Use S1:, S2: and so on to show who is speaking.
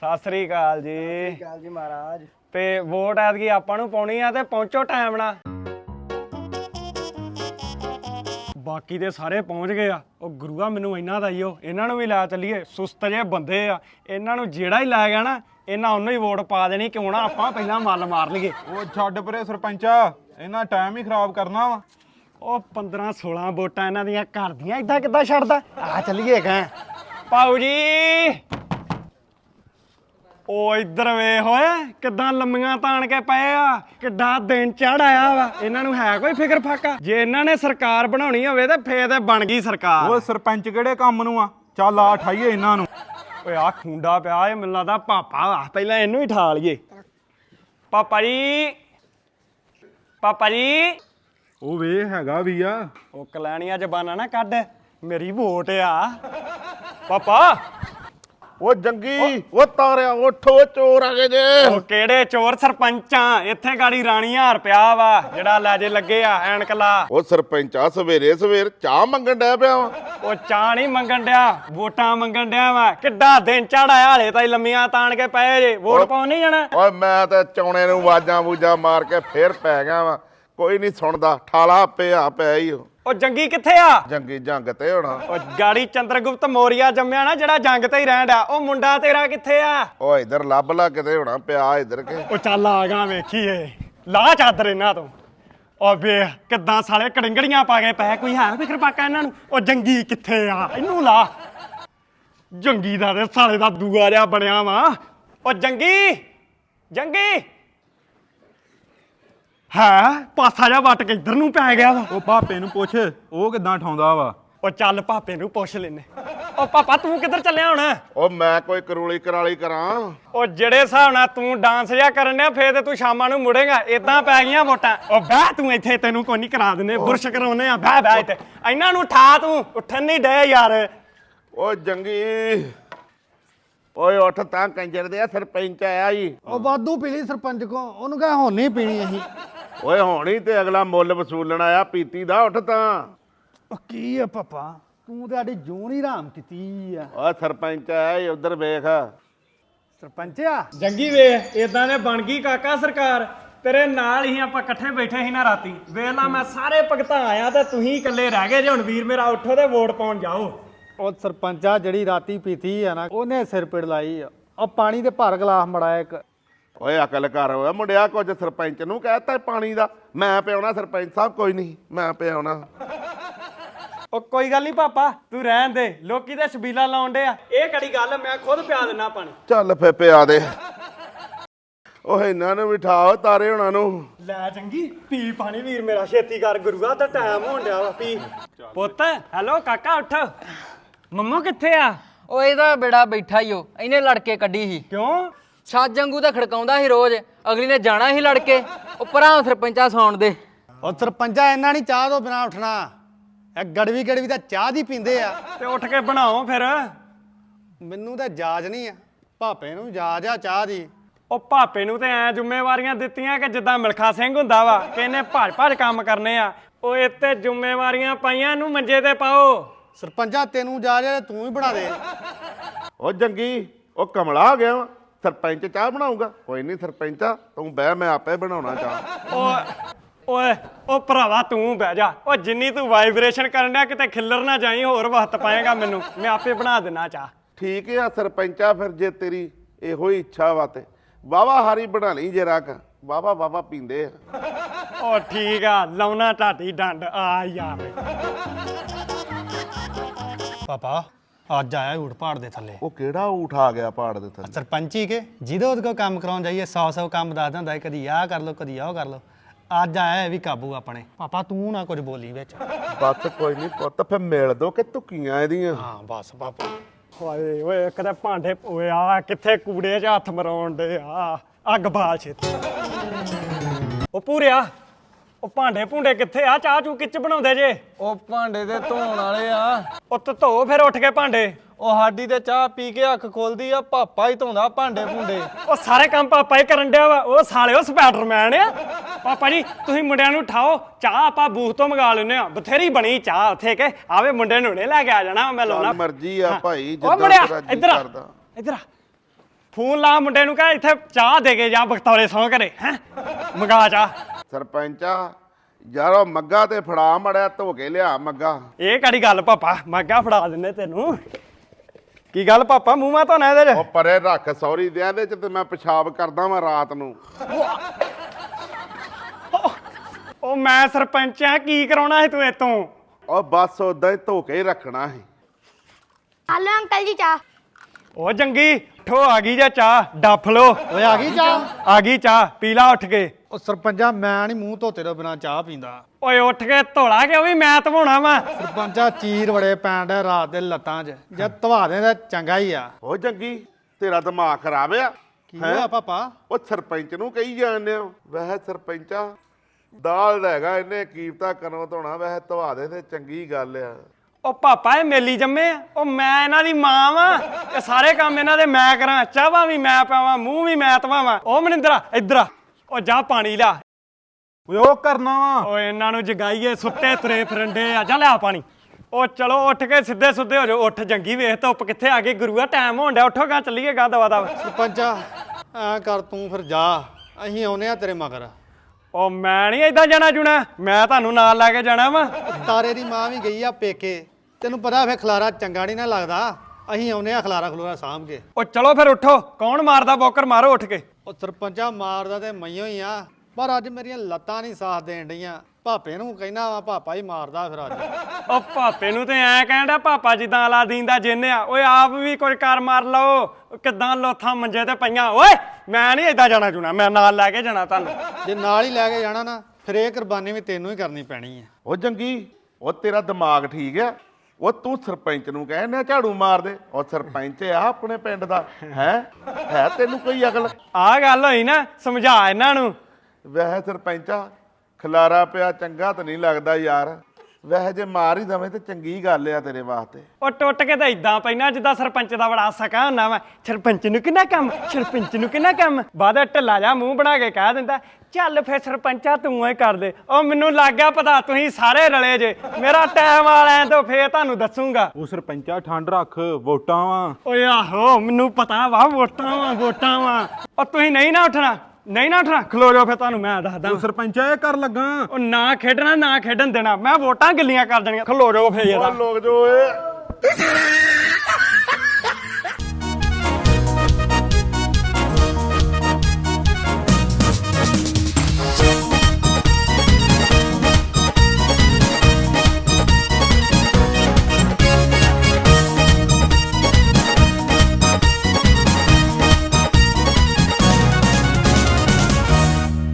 S1: ਸਤਿ ਸ੍ਰੀ ਅਕਾਲ ਜੀ।
S2: ਸਤਿ ਸ੍ਰੀ ਅਕਾਲ ਜੀ ਮਹਾਰਾਜ।
S1: ਤੇ ਵੋਟ ਐਤਕੀ ਆਪਾਂ ਨੂੰ ਪਾਉਣੀ ਆ ਤੇ ਪਹੁੰਚੋ ਟਾਈਮ ਨਾਲ। ਬਾਕੀ ਦੇ ਸਾਰੇ ਪਹੁੰਚ ਗਏ ਆ। ਉਹ ਗੁਰੂਆ ਮੈਨੂੰ ਇਹਨਾਂ ਦਾ ਹੀ ਇਹਨਾਂ ਨੂੰ ਵੀ ਲੈ ਚੱਲੀਏ। ਸੁਸਤ ਜਿਹੇ ਬੰਦੇ ਆ, ਇਹਨਾਂ ਨੂੰ ਜਿਹੜਾ ਹੀ ਲੈ ਗਿਆ ਨਾ ਇਹਨਾਂ ਉਹਨੂੰ ਹੀ ਵੋਟ ਪਾ ਦੇਣੀ। ਕਿਉਂ ਨਾ ਆਪਾਂ ਪਹਿਲਾਂ ਮੱਲ ਮਾਰ ਲਈਏ।
S3: ਉਹ ਛੱਡ ਪਰੇ ਸਰਪੰਚਾ, ਇਹਨਾਂ ਟਾਈਮ ਹੀ ਖਰਾਬ ਕਰਨਾ ਵਾ।
S1: ਉਹ 15-16 ਵੋਟਾਂ ਇਹਨਾਂ ਦੀਆਂ ਘਰ ਦੀਆਂ ਏਦਾਂ ਕਿੱਦਾਂ ਛੱਡਦਾ। ਆ ਚੱਲੀਏ ਕਾਂ ਪਾਉ ਜੀ। ਉਹ ਇੱਧਰ ਵੇਖ ਓਏ ਕਿੱਦਾਂ ਲੰਮੀਆਂ ਤਾਣ ਕੇ ਪਏ ਆ। ਕਿੱਡਾ ਦਿਨ ਚੜ ਆਇਆ ਵਾ। ਇਹਨਾਂ ਨੂੰ ਹੈ ਕੋਈ ਫਿਕਰ ਫਾਕਾ? ਜੇ ਇਹਨਾਂ ਨੇ ਸਰਕਾਰ ਬਣਾਉਣੀ ਹੋਵੇ ਤੇ ਫੇਰ ਤੇ ਬਣ ਗਈ ਸਰਕਾਰ।
S3: ਉਹ ਸਰਪੰਚ ਕਿਹੜੇ ਕੰਮ ਨੂੰ ਆ? ਚੱਲ ਆ ਠਾਈਏ ਇਹਨਾਂ ਨੂੰ।
S1: ਓਏ ਆ ਖੁੰਡਾ ਪਿਆ ਇਹ ਮੈਨੂੰ ਲੱਗਦਾ ਪਾਪਾ ਵਾ। ਪਹਿਲਾਂ ਇਹਨੂੰ ਹੀ ਠਾ ਲਈਏ। ਪਾਪਾ ਜੀ, ਪਾਪਾ ਜੀ।
S3: ਉਹ ਵੇ ਹੈਗਾ ਵੀ ਆ।
S1: ਉਹ ਕਲੈਣੀਆਂ ਜ਼ਬਾਨਾਂ ਨਾ ਕੱਢ, ਮੇਰੀ ਵੋਟ ਆ। ਪਾਪਾ
S4: ਉਹ ਜੰਗੀ ਉਹ ਤਾਰਿਆ ਉੱਠੋ ਚੋਰ ਆ ਗਏ ਜੇ।
S1: ਉਹ ਕਿਹੜੇ ਚੋਰ? ਸਰਪੰਚਾਂ ਇੱਥੇ ਗਾੜੀ ਰਾਣੀ ਹਾਰ ਪਿਆ ਵਾ ਜਿਹੜਾ ਲੈ ਜੇ ਲੱਗੇ ਆ ਐਨਕ ਲਾ।
S4: ਉਹ ਸਰਪੰਚਾ ਸਵੇਰੇ ਸਵੇਰ ਚਾਹ ਮੰਗਣ ਡਿਆ ਪਿਆ ਵਾ।
S1: ਉਹ ਚਾਹ ਨਹੀਂ ਮੰਗਣ ਡਿਆ, ਵੋਟਾਂ ਮੰਗਣ ਡਿਆ ਵਾ। ਕਿੱਡਾ ਦਿਨ ਚੜਾਇਆ ਹਲੇ ਤਾਂ ਲੰਮੀਆਂ ਤਾਣ ਕੇ ਪਏ ਜੇ। ਵੋਟ ਪਾਉਣ ਨਹੀਂ ਜਾਣਾ?
S4: ਓਏ ਮੈਂ ਤਾਂ ਚੌਣੇ ਨੂੰ ਆਵਾਜ਼ਾਂ ਬੂਜਾਂ ਮਾਰ ਕੇ ਫੇਰ ਪੈ ਗਿਆ ਵਾ। ਕੋਈ ਨਹੀਂ ਸੁਣਦਾ, ਠਾਲਾ ਪਿਆ ਪਿਆ ਹੀ।
S1: ਉਹ ਜੰਗੀ ਕਿੱਥੇ ਆ?
S4: ਜੰਗੀ ਜੰਗ ਤੇ ਹੋਣਾ।
S1: ਉਹ ਗਾੜੀ ਚੰਦਰਗੁਪਤ ਮੌਰੀਆ ਜੰਮਿਆ ਨਾ ਜਿਹੜਾ ਜੰਗ ਤੇ ਹੀ ਰਹਿਣ ਡਿਆ। ਉਹ ਮੁੰਡਾ ਤੇਰਾ ਕਿੱਥੇ ਆ?
S4: ਉਹ ਇਧਰ ਲੱਭ ਲਾ ਕਿਤੇ ਹੋਣਾ ਪਿਆ ਇਧਰ ਕੇ।
S1: ਉਹ ਚੱਲ ਆ ਗਾ ਵੇਖੀਏ। ਲਾ ਚਾਦਰ ਇਹਨਾਂ ਤੋਂ। ਉਹ ਵੇਖ ਕਿੱਦਾਂ ਸਾਲੇ ਕੜਿੰਗੜੀਆਂ ਪਾ ਕੇ ਪਏ। ਕੋਈ ਹੈ ਫਿਕਰ ਪਾਕਾ ਇਹਨਾਂ ਨੂੰ? ਉਹ ਜੰਗੀ ਕਿੱਥੇ ਆ? ਇਹਨੂੰ ਲਾ। ਜੰਗੀ ਦਾ ਤੇ ਸਾਲੇ ਦਾ ਦੂਆ ਜਿਹਾ ਬਣਿਆ ਵਾ। ਉਹ ਜੰਗੀ, ਜੰਗੀ ਹੈ ਪਾਸਾ ਜਿਹਾ ਵੱਟ ਕੇ ਇੱਧਰ ਨੂੰ ਪੈ ਗਿਆ ਵਾ।
S3: ਉਹ ਭਾਪੇ ਨੂੰ ਪੁੱਛ ਉਹ ਕਿੱਦਾਂ ਠਾਉਂਦਾ ਵਾ।
S1: ਉਹ ਚੱਲ ਭਾਪੇ ਨੂੰ ਪੁੱਛ ਲੈਨੇ। ਉਹ ਪਾਪਾ ਤੂੰ ਕਿੱਧਰ ਚੱਲਿਆ ਹੁਣ?
S4: ਉਹ ਮੈਂ ਕੋਈ ਕਰੂਲੀ ਕਰਾਲੀ ਕਰਾਂ।
S1: ਉਹ ਜਿਹੜੇ ਹਿਸਾਬ ਨਾਲ ਤੂੰ ਡਾਂਸ ਜਿਹਾ ਕਰਨ ਡਿਆ ਫੇਰ ਤੇ ਤੂੰ ਸ਼ਾਮਾਂ ਨੂੰ ਮੁੜੇਗਾ। ਇਦਾਂ ਪੈ ਗਈਆਂ ਵੋਟਾਂ। ਉਹ ਬਹਿ ਤੂੰ ਇੱਥੇ, ਤੈਨੂੰ ਕੋਈ ਨਹੀਂ ਕਰਾ ਦਿੰਦੇ, ਬੁਰਸ਼ ਕਰਾਉਨੇ ਆ। ਬਹਿ ਬਹਿ ਇੱਥੇ। ਇਹਨਾਂ ਨੂੰ ਠਾ ਤੂੰ। ਉੱਠਣ ਨਹੀਂ ਡੇ ਯਾਰ।
S4: ਉਹ ਜੰਗੀ ਓਏ ਉੱਠ ਤਾਂ ਕੰਜਰ ਦੇ ਸਰਪੰਚ ਆਇਆ ਜੀ।
S2: ਉਹ ਵਾਧੂ ਪੀ ਲਈ ਸਰਪੰਚ ਕੋ, ਉਹਨੂੰ ਕਹੇ ਹੁਣ ਨਹੀਂ ਪੀਣੀ ਅਸੀਂ।
S4: ਓਏ ਹੋਣੀ ਤੇ ਅਗਲਾ ਮੁੱਲ ਵਸੂਲਣ ਆਇਆ ਪੀਤੀ ਦਾ। ਉੱਠ ਤਾਂ।
S2: ਉਹ ਕੀ ਆ ਪਾਪਾ, ਤੂੰ ਤੇ ਸਾਡੀ ਜੂਨ ਹੀ ਹਰਾਮ ਕੀਤੀ ਆ।
S4: ਓ ਸਰਪੰਚ ਆਇਆ ਉਧਰ ਵੇਖ।
S2: ਸਰਪੰਚ ਆ
S1: ਜੰਗੀ ਵੇਖ ਇਦਾਂ ਨੇ ਬਣ ਗਈ ਕਾਕਾ ਸਰਕਾਰ। ਤੇਰੇ ਨਾਲ ਹੀ ਆਪਾਂ ਇਕੱਠੇ ਬੈਠੇ ਸੀ ਨਾ ਰਾਤੀ। ਵੇਖ ਲਾ ਮੈਂ ਸਾਰੇ ਭਗਤਾਂ ਆਇਆ ਤੇ ਤੁਸੀਂ ਇਕੱਲੇ ਰਹਿ ਗਏ ਜੇ। ਹੁਣ ਵੀਰ ਮੇਰਾ ਉੱਠੋ ਤੇ ਵੋਟ ਪਾਉਣ ਜਾਓ।
S2: ਉਹ ਸਰਪੰਚਾ ਜਿਹੜੀ ਰਾਤੀ ਪੀਤੀ ਆ ਨਾ ਉਹਨੇ ਸਿਰ ਪਿੜ ਲਾਈ ਆ। ਉਹ ਪਾਣੀ ਦੇ ਭਰ ਗਲਾਸ ਮੜਾਇਆ ਇੱਕ।
S4: ਓਏ ਅਕਲ ਕਰ ਓਏ ਮੁੰਡਿਆ, ਕੁਝ ਸਰਪੰਚ ਨੂੰ ਕਹਿਤਾ ਪਾਣੀ ਦਾ। ਮੈਂ ਪਿਆਉਣਾ ਸਰਪੰਚ ਸਾਹਿਬ। ਕੋਈ ਨਹੀਂ ਮੈਂ ਪਿਆਉਣਾ।
S1: ਉਹ ਕੋਈ ਗੱਲ ਨਹੀਂ ਪਾਪਾ ਤੂੰ ਰਹਿਣ ਦੇ। ਲੋਕੀ ਤਾਂ ਛਬੀਲਾ ਲਾਉਣ ਡੇ ਆ। ਇਹ ਕਿਹੜੀ ਗੱਲ? ਮੈਂ ਖੁਦ ਪਿਆ ਦਿੰਨਾ ਪਾਣੀ।
S4: ਚੱਲ ਫੇ ਪਿਆ ਦੇ। ਓਏ ਇਹਨਾਂ ਨੂੰ ਬਿਠਾਓ ਤਾਰੇ ਹੋਣਾ ਨੂੰ।
S1: ਲੈ ਚੰਗੀ ਪੀ ਪਾਣੀ ਵੀਰ ਮੇਰਾ ਛੇਤੀ ਕਰ। ਗੁਰੂਆ ਤਾਂ ਟਾਈਮ ਹੋਣ ਡਿਆ ਵਾ। ਪੀ ਪੁੱਤ। ਹੈਲੋ ਕਾਕਾ ਉੱਠ। ਮੰਮਾ ਕਿੱਥੇ ਆ?
S5: ਉਹ ਇਹਦਾ ਬੇੜਾ ਬੈਠਾ ਹੀ ਉਹ। ਇਹਨੇ ਲੜਕੇ ਕੱਢੀ ਸੀ।
S1: ਕਿਉਂ?
S5: ਛੱਜ ਵਾਂਗੂ ਤਾਂ ਖੜਕਾਉਂਦਾ ਸੀ ਰੋਜ਼। ਅਗਲੀ ਨੇ ਜਾਣਾ ਸੀ ਲੜਕੇ। ਉਹ ਭਰਾ ਸਰਪੰਚਾ ਸੌਣ ਦੇ।
S2: ਉਹ ਸਰਪੰਚਾ ਇਹਨਾਂ ਨਹੀਂ ਚਾਹ ਤੋਂ ਬਿਨਾ ਉੱਠਣਾ। ਇਹ ਗੜਵੀ ਤਾਂ ਚਾਹ ਦੀ ਪੀਂਦੇ ਆ।
S1: ਤੇ ਉੱਠ ਕੇ ਬਣਾਓ ਫਿਰ।
S2: ਮੈਨੂੰ ਤਾਂ ਜਾਜ ਨਹੀਂ ਆ, ਭਾਪੇ ਨੂੰ ਜਾਜ ਆ ਚਾਹ ਦੀ।
S1: ਉਹ ਭਾਪੇ ਨੂੰ ਤੇ ਐ ਜ਼ਿੰਮੇਵਾਰੀਆਂ ਦਿੱਤੀਆਂ ਕਿ ਜਿੱਦਾਂ ਮਿਲਖਾ ਸਿੰਘ ਹੁੰਦਾ ਵਾ ਕਿ ਇਹਨੇ ਭੱਜ ਕੰਮ ਕਰਨੇ ਆ। ਉਹ ਇੱਥੇ ਜ਼ਿੰਮੇਵਾਰੀਆਂ ਪਾਈਆਂ ਨੂੰ ਮੰਜੇ ਤੇ ਪਾਓ।
S2: ਸਰਪੰਚਾ ਤੈਨੂੰ ਜਾਜ ਆ ਤੂੰ ਹੀ ਬਣਾ ਦੇ।
S4: ਓ ਜੰਗੀ ਉਹ ਕਮਲਾ ਆ ਗਿਆ ਵਾ। ਸਰਪੰਚ ਚਾਹ ਬਣਾਊਗਾ? ਕੋਈ ਨਹੀਂ ਸਰਪੰਚਾ ਤੂੰ ਬਹਿ, ਮੈਂ ਆਪੇ ਬਣਾਉਣਾ ਚਾਹ।
S1: ਓਏ ਉਹ ਭਰਾਵਾ ਤੂੰ ਬਹਿ ਜਾ। ਉਹ ਜਿੰਨੀ ਤੂੰ ਵਾਈਬ੍ਰੇਸ਼ਨ ਕਰਨ ਡਿਆ ਕਿਤੇ ਖਿੱਲਰ ਨਾ ਜਾਈ। ਹੋਰ ਵਕਤ ਪਾਏਗਾ ਮੈਨੂੰ, ਮੈਂ ਆਪੇ ਬਣਾ ਦੇਣਾ ਚਾਹ।
S4: ਠੀਕ ਆ ਸਰਪੰਚਾ, ਫਿਰ ਜੇ ਤੇਰੀ ਇਹੋ ਹੀ ਇੱਛਾ ਵਾ ਤੇ ਵਾਵਾ ਹਾਰੀ ਬਣਾ ਲਈ ਜੇ ਰੱਖ। ਵਾਵਾ ਪੀਂਦੇ ਆ।
S1: ਉਹ ਠੀਕ ਆ, ਲਾਉਣਾ ਢਾਡੀ ਡੰਡ ਆ ਯਾਰ।
S2: ਪਾਪਾ ਅੱਜ ਆਇਆ ਊਠ ਪਹਾੜ ਦੇ ਥੱਲੇ।
S4: ਉਹ ਕਿਹੜਾ ਊਠ ਆ ਗਿਆ ਪਹਾੜ ਦੇ ਥੱਲੇ?
S2: ਸਰਪੰਚ ਹੀ ਕੇ ਜਿਹਦੇ ਉਹਦੇ ਕੋਲ ਕੰਮ ਕਰਾਉਣ ਜਾਈਏ 100 ਕੰਮ ਦੱਸ ਦਿੰਦਾ। ਕਦੀ ਆਹ ਕਰ ਲਓ, ਕਦੀ ਆਹ ਕਰ ਲਓ। ਅੱਜ ਆਇਆ ਇਹ ਵੀ ਕਾਬੂ ਆਪਣੇ। ਪਾਪਾ ਤੂੰ ਨਾ ਕੁਝ ਬੋਲੀ ਵਿੱਚ।
S4: ਬਸ ਕੋਈ ਨਹੀਂ ਪੁੱਤ, ਫਿਰ ਮਿਲ ਦੋ ਕਿ ਧੁੱਕੀਆਂ ਇਹਦੀਆਂ।
S2: ਹਾਂ ਬਸ ਪਾਪਾ।
S1: ਓਏ ਓਏ ਕਦੇ ਭਾਂਡੇ ਓਏ ਆ ਕਿੱਥੇ ਕੂੜੇ 'ਚ ਹੱਥ ਮਰਾਉਣ ਦੇ ਆ। ਅੱਗ ਬਾਲ ਛੇਤੀ। ਉਹ ਪੂਰਿਆ ਉਹ ਭਾਂਡੇ ਭੁੰਡੇ ਕਿੱਥੇ ਆ? ਚਾਹ ਚੂ ਕਿੱਚ ਬਣਾਉਂਦੇ ਜੇ?
S6: ਉਹ ਭਾਂਡੇ ਤੇ ਧੋਣ ਵਾਲੇ ਆ।
S1: ਉਹ ਧੋ ਫਿਰ ਉੱਠ ਕੇ ਭਾਂਡੇ।
S6: ਉਹ ਸਾਡੀ ਤੇ ਚਾਹ ਪੀ ਕੇ ਅੱਖ ਖੋਲਦੀ ਆ। ਪਾਪਾ ਹੀ ਧੋਂਦਾ ਭਾਂਡੇ ਭੁੰਡੇ।
S1: ਉਹ ਸਾਰੇ ਕੰਮ ਪਾਪਾ ਹੀ ਕਰਨ ਡਿਆ ਵਾ। ਉਹ ਸਾਲਿਓ ਸਪਾਈਡਰਮੈਨ ਆ। ਪਾਪਾ ਜੀ ਤੁਸੀਂ ਮੁੰਡਿਆਂ ਨੂੰ ਉਠਾਓ। ਚਾਹ ਆਪਾਂ ਬੂਥ ਤੋਂ ਮੰਗਾ ਲੈਨੇ ਆ। ਬਥੇਰੀ ਬਣੀ ਚਾਹ ਉੱਥੇ ਕੇ। ਆਵੇ ਮੁੰਡੇ ਨੂੰ ਨੇ ਲੈ ਕੇ ਆ ਜਾਣਾ। ਮੈਂ ਲਾਉਣਾ
S4: ਮਰਜ਼ੀ ਆ ਭਾਈ
S1: ਉਹ
S4: ਜਿੱਦਾਂ
S1: ਮੁੰਡਿਆ
S4: ਤੇਰਾ ਜੀ
S1: ਇੱਧਰ ਆ,
S4: ਕਰਦਾ।
S1: ਇੱਧਰ ਆ। ਫੋਨ ਲਾ ਮੁੰਡੇ ਨੂੰ ਕਹ ਇੱਥੇ ਚਾਹ ਦੇ ਕੇ ਜਾ ਬਖਤੌਰੇ ਸੌਂ ਘਰੇ ਹੈ ਮੰਗਾ ਚਾਹ।
S4: ਸਰਪੰਚਾ ਯਾਰ ਉਹ ਮੱਗਾ ਤੇ ਫੜਾ ਮੜਿਆ ਧੋ ਕੇ ਲਿਆ ਮੱਗਾ।
S1: ਇਹ ਕਿਹੜੀ ਗੱਲ ਪਾਪਾ ਮੱਗਾ ਫੜਾ ਦਿੰਨੇ ਤੈਨੂੰ। ਕੀ ਗੱਲ ਪਾਪਾ ਮੂੰਹ ਮਾ ਧੋਣਾ ਇਹਦੇ
S4: ਉਹ
S1: ਚ?
S4: ਪਰੇ ਰੱਖ ਸੌਰੀ ਦੇ ਇਹਦੇ ਚ ਤੇ ਮੈਂ ਪਿਸ਼ਾਬ ਕਰਦਾ ਵਾਂ ਰਾਤ ਨੂੰ।
S1: ਉਹ ਮੈਂ ਸਰਪੰਚ ਆ, ਕੀ ਕਰਾਉਣਾ ਸੀ ਤੂੰ ਇਤੋਂ?
S4: ਉਹ ਬਸ ਉਦਾਂ ਹੀ ਧੋ ਕੇ ਹੀ ਰੱਖਣਾ ਸੀ।
S7: ਹਲੋ ਅੰਕਲ ਜੀ ਚਾਹ।
S1: ਉਹ ਜੰਗੀ ਠੋ ਆ ਗਈ ਜਾਂ ਚਾਹ ਡੱਫ ਲੋ।
S2: ਓਏ ਆ ਗਈ ਚਾਹ?
S1: ਆ ਗਈ ਚਾਹ ਪੀ ਲਾ ਉੱਠ ਕੇ।
S2: ਉਹ ਸਰਪੰਚਾ ਮੈਂ ਨਹੀਂ ਮੂੰਹ ਧੋਤੇ ਤੋਂ ਬਿਨਾ ਚਾਹ ਪੀਂਦਾ।
S1: ਓਏ ਉੱਠ ਕੇ ਧੋਲਾ ਕਿ ਉਹ ਵੀ ਮੈਂ ਧਵਾਉਣਾ ਵਾ।
S2: ਸਰਪੰਚਾ ਚੀਰ ਬੜੇ ਪੈਣ ਡੇ ਰਾਤ ਦੇ ਲੱਤਾਂ 'ਚ, ਜੇ ਧਵਾ ਦੇ ਤਾਂ ਚੰਗਾ ਹੀ ਆ।
S4: ਉਹ ਜੰਗੀ ਤੇਰਾ ਦਿਮਾਗ ਖਰਾਬ ਆ।
S2: ਕੀ ਹੋਇਆ ਪਾਪਾ?
S4: ਉਹ ਸਰਪੰਚ ਨੂੰ ਕਹੀ ਜਾਂਦੇ ਹੋ। ਵੈਸੇ ਸਰਪੰਚਾ ਦਾਲ ਹੈਗਾ ਇਹਨੇ ਕੀਮਤਾਂ ਕਰਨੋਂ ਧੋਣਾ, ਵੈਸੇ ਧਵਾ ਦੇ ਤੇ ਚੰਗੀ ਗੱਲ ਆ।
S1: ਉਹ ਪਾਪਾ ਇਹ ਮੇਲੀ ਜੰਮੇ ਆ, ਉਹ ਮੈਂ ਇਹਨਾਂ ਦੀ ਮਾਂ ਵਾਂ। ਇਹ ਸਾਰੇ ਕੰਮ ਇਹਨਾਂ ਦੇ ਮੈਂ ਕਰਾਂ, ਚਾਹਾਂ ਵੀ ਮੈਂ ਪਾਵਾਂ, ਮੂੰਹ ਵੀ ਮੈਂ ਧਵਾਵਾਂ। ਉਹ ਮਨਿੰਦਰਾ ਇੱਧਰ ਆ, ਉਹ ਜਾ ਪਾਣੀ ਲਿਆ।
S3: ਓਏ ਉਹ ਕਰਨਾ ਵਾ।
S1: ਓਏ ਇਹਨਾਂ ਨੂੰ ਜਗਾਈਏ, ਸੁੱਤੇ ਤੁਰੇ ਫਿਰੰਡੇ ਆ, ਜਾ ਲਿਆ ਪਾਣੀ। ਉਹ ਚਲੋ ਉੱਠ ਕੇ ਸਿੱਧੇ ਸੁੱਧੇ ਹੋ ਜਾਓ। ਉੱਠ ਜੰਗੀ ਵੇਖ ਧੁੱਪ ਕਿੱਥੇ ਆ ਗਈ ਗੁਰੂਆ, ਟਾਈਮ ਹੋਣ ਡਿਆ। ਉੱਠੋ ਗਾ ਚੱਲੀਏ ਗਾ ਦਵਾ ਦਵਾ।
S2: ਸਰਪੰਚਾ ਐ ਕਰ ਤੂੰ ਫਿਰ ਜਾ, ਅਸੀਂ ਆਉਨੇ ਆ ਤੇਰੇ ਮਗਰ।
S1: ਉਹ ਮੈਂ ਨਹੀਂ ਏਦਾਂ ਜਾਣਾ ਜੁਣਾ, ਮੈਂ ਤੁਹਾਨੂੰ ਨਾਲ ਲੈ ਕੇ ਜਾਣਾ ਵਾ।
S2: ਤਾਰੇ ਦੀ ਮਾਂ ਵੀ ਗਈ ਆ ਪੇਕੇ, ਤੈਨੂੰ ਪਤਾ ਫੇ ਖਲਾਰਾ ਚੰਗਾ ਨਹੀਂ ਨਾ ਲੱਗਦਾ। ਅਸੀਂ ਆਉਨੇ ਆ ਖਲਾਰਾ ਖਲੂਰਾ ਸਾਂਭ ਕੇ।
S1: ਉਹ ਚਲੋ ਫਿਰ ਉੱਠੋ, ਕੌਣ ਮਾਰਦਾ ਬੋਕਰ, ਮਾਰੋ ਉੱਠ ਕੇ।
S2: ਉਹ ਸਰਪੰਚਾ ਮਾਰਦਾ ਤੇ ਮਈਓ ਹੀ ਆ, ਪਰ ਅੱਜ ਮੇਰੀਆਂ ਲੱਤਾਂ ਨਹੀਂ ਸਾਥ ਦੇਣ ਡਈਆਂ। ਭਾਪੇ ਨੂੰ ਕਹਿਣਾ ਵਾ, ਭਾਪਾ ਹੀ ਮਾਰਦਾ ਫਿਰ ਅੱਜ।
S1: ਉਹ ਭਾਪੇ ਨੂੰ ਤੇ ਐ ਕਹਿੰਦਾ ਪਾਪਾ ਜਿੱਦਾਂ ਅਲਾਦੀਨ ਦਾ ਜਿੰਨ ਆ। ਓਏ ਆਪ ਵੀ ਕੁਝ ਕਰ ਮਾਰ ਲਓ, ਕਿੱਦਾਂ ਲੋਥਾਂ ਮੰਜੇ ਤੇ ਪਈਆਂ। ਓਏ ਮੈਂ ਨਹੀਂ ਏਦਾਂ ਜਾਣਾ ਜੁਣਾ, ਮੈਂ ਨਾਲ ਲੈ ਕੇ ਜਾਣਾ ਤੁਹਾਨੂੰ।
S2: ਜੇ ਨਾਲ ਹੀ ਲੈ ਕੇ ਜਾਣਾ ਨਾ, ਫਿਰ ਇਹ ਕੁਰਬਾਨੀ ਵੀ ਤੈਨੂੰ ਹੀ ਕਰਨੀ ਪੈਣੀ ਹੈ।
S4: ਉਹ ਜੰਗੀ ਉਹ ਤੇਰਾ ਦਿਮਾਗ ਠੀਕ ਆ। ਉਹ ਤੂੰ ਸਰਪੰਚ ਨੂੰ ਕਹਿੰਦਾ ਝਾੜੂ ਮਾਰ ਦੇ। ਉਹ ਸਰਪੰਚ ਆ ਆਪਣੇ ਪਿੰਡ ਦਾ। ਹੈ ਤੈਨੂੰ ਕੋਈ ਅਕਲ?
S1: ਆਹ ਗੱਲ ਹੋਈ ਨਾ, ਸਮਝਾ ਇਹਨਾਂ ਨੂੰ।
S4: ਵੈਸੇ ਸਰਪੰਚਾ ਖਲਾਰਾ ਪਿਆ ਚੰਗਾ ਤਾਂ ਨਹੀਂ ਲੱਗਦਾ ਯਾਰ। ਵੈਸੇ ਜੇ ਮਾਰ ਹੀ ਦਵੇਂ ਤੇ ਚੰਗੀ ਗੱਲ ਆ ਤੇਰੇ ਵਾਸਤੇ।
S1: ਉਹ ਟੁੱਟ ਕੇ ਤਾਂ ਇਦਾਂ ਪੈਣਾ ਜਿੱਦਾਂ ਸਰਪੰਚ ਦਾ ਬੜਾ ਸਕਾ ਹੁੰਦਾ ਵਾ। ਸਰਪੰਚ ਨੂੰ ਕਿੰਨਾ ਕੰਮ, ਸਰਪੰਚ ਨੂੰ ਕਿੰਨਾ ਕੰਮ। ਬਾਅਦ ਢਿੱਲਾ ਜਾ ਮੂੰਹ ਬਣਾ ਕੇ ਕਹਿ ਦਿੰਦਾ, ਚੱਲ ਫੇਰ ਸਰਪੰਚਾ ਤੂੰ ਹੀ ਕਰ ਦੇ। ਉਹ ਮੈਨੂੰ ਲੱਗ ਗਿਆ ਪਤਾ ਤੁਸੀਂ ਸਾਰੇ ਰਲੇ ਜੇ। ਮੇਰਾ ਟਾਈਮ ਵਾਲਿਆਂ ਤੋਂ ਫੇਰ ਤੁਹਾਨੂੰ ਦੱਸੂਗਾ।
S3: ਉਹ ਸਰਪੰਚਾ ਠੰਡ ਰੱਖ, ਵੋਟਾਂ ਵਾ।
S1: ਓਏ ਆਹੋ ਮੈਨੂੰ ਪਤਾ ਵਾ, ਵੋਟਾਂ ਵਾ ਵੋਟਾਂ ਵਾ। ਉਹ ਤੁਸੀਂ ਨਹੀਂ ਨਾ ਉੱਠਣਾ, ਨਹੀਂ ਨਾ ਉੱਠਣਾ, ਖਲੋ ਜਾਓ ਫਿਰ ਤੁਹਾਨੂੰ ਮੈਂ ਦੱਸਦਾ।
S3: ਉਹ ਸਰਪੰਚਾ ਇਹ ਕਰ ਲੱਗਾ।
S1: ਉਹ ਨਾ ਖੇਡਣਾ, ਨਾ ਖੇਡਣ ਦੇਣਾ। ਮੈਂ ਵੋਟਾਂ ਗਿੱਲੀਆਂ ਕਰ ਦੇਣੀਆਂ। ਖਲੋ ਜਾਓ ਫੇਰ
S4: ਉਹ ਲੋਕ ਜੋ ਏ